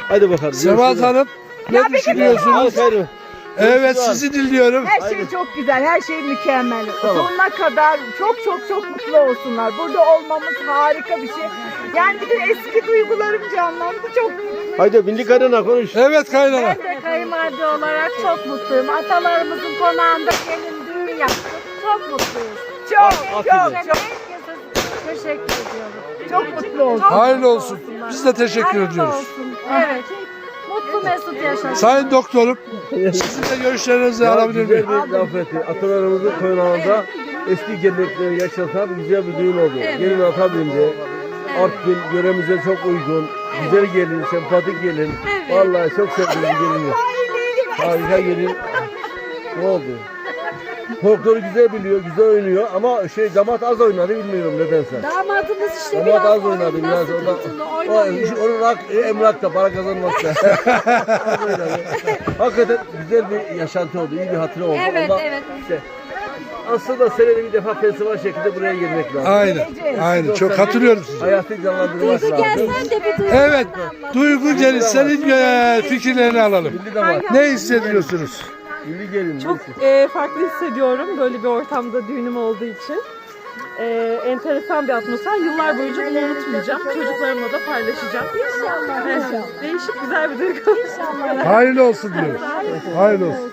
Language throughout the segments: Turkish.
Hadi bakalım. Sebahat Hanım ne düşünüyorsunuz? Evet sizi dinliyorum. Her şey çok güzel, her şey mükemmel. Sonuna kadar çok mutlu olsunlar. Burada olmamız harika bir şey. Yani bir de eski duygularım canlandı. Çok Haydi milli karına konuş. Evet kaynana. Ben de kayınvalide olarak çok mutluyum. Atalarımızın konağında gelin düğün yaptık. Çok mutluyuz. çok. Herkese teşekkür ediyorum. Çok mutlu oldum. Hayırlı olsun. Biz de teşekkür Hayırlı ediyoruz. olsun. Evet. Mutlu mesut yaşasın. Sayın doktorum, sizin de görüşlerinizi alabilir miyim? Güzel bir laf etti. Atalarımızın konağında eski gelenekleri yaşatan güzel bir düğün oldu. Gelin ata bindi. Artvin yöremize çok uygun. Güzel gelin, sempatik gelin. Vallahi çok sevdim gelini. Harika gelin. Ne oldu? Folkloru güzel biliyor, güzel oynuyor ama damat az oynadı bilmiyorum nedense. Damadımız işte Damat az biraz oynadı oyundan biraz sıkıntılı orada. Onun emlakta, para kazanmakta. Az oynadı. Hakikaten güzel bir yaşantı oldu, iyi bir hatıra oldu. Evet, Ondan evet. işte aslında senede bir defa festival şeklinde buraya gelmek lazım. Aynen. Çok hatırlıyorum sizi. Hayatı canlandırmak Duygu lazım. gelsen de bir duygu. Evet, Duygu Geliş senin fikirlerini alalım. Milli damat. Ne hissediyorsunuz? Milli gelin. Çok farklı hissediyorum böyle bir ortamda düğünüm olduğu için. Enteresan bir atmosfer. Yıllar boyunca bunu unutmayacağım. Çocuklarımla da paylaşacağım. İnşallah. Değişik güzel bir duygu. Hayırlı olsun diyoruz. Hayırlı olsun.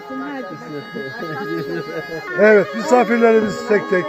Evet, misafirlerimiz tek tek.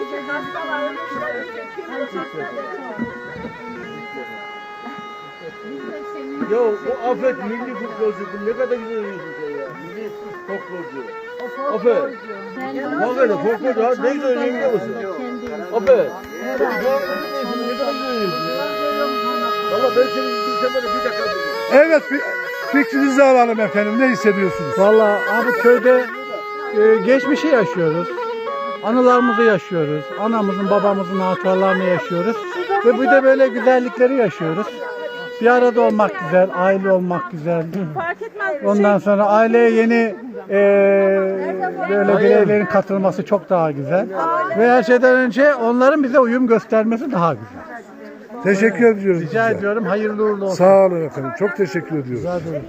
Ya o Afet milli futbolcu ne kadar güzel oynuyorsun sen ya. Milli futbolcu. Afet. Hakikaten futbolcu ha ne güzel oynuyor biliyor musun? Afet. Ne kadar güzel oynuyorsun ya. Valla ben seni izleyeceğim böyle bir dakika. Evet, fikrinizi alalım efendim. Ne hissediyorsunuz? Vallahi abi köyde geçmişi yaşıyoruz. Anılarımızı yaşıyoruz. Anamızın, babamızın hatıralarını yaşıyoruz. Ve bir de böyle güzellikleri yaşıyoruz. Bir arada olmak güzel, aile olmak güzel. Fark etmez. Ondan sonra aileye yeni böyle bireylerin katılması çok daha güzel. Ve her şeyden önce onların bize uyum göstermesi daha güzel. Teşekkür ediyoruz. Rica size. ediyorum, hayırlı uğurlu olsun. Sağ olun efendim. Çok teşekkür ediyoruz.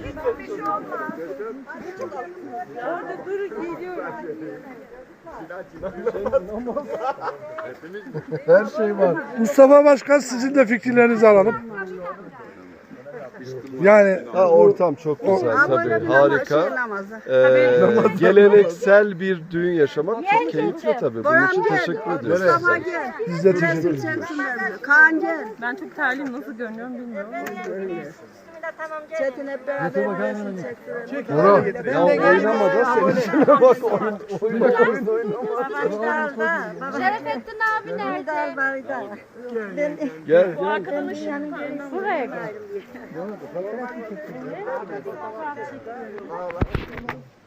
Her şey var. Mustafa Başkan sizin de fikirlerinizi alalım. Yani Ortam çok güzel tabii, harika. Geleneksel bir düğün yaşamak çok keyifli tabii. Bunun için teşekkür ediyoruz. biz de teşekkür ediyoruz. Ben çok terliyim. Nasıl görünüyorum bilmiyorum. Çetin hep beraber Ya oynama da senin içine bak oyun oynama. Şerefettin abi nerede? Gel. Buraya gel.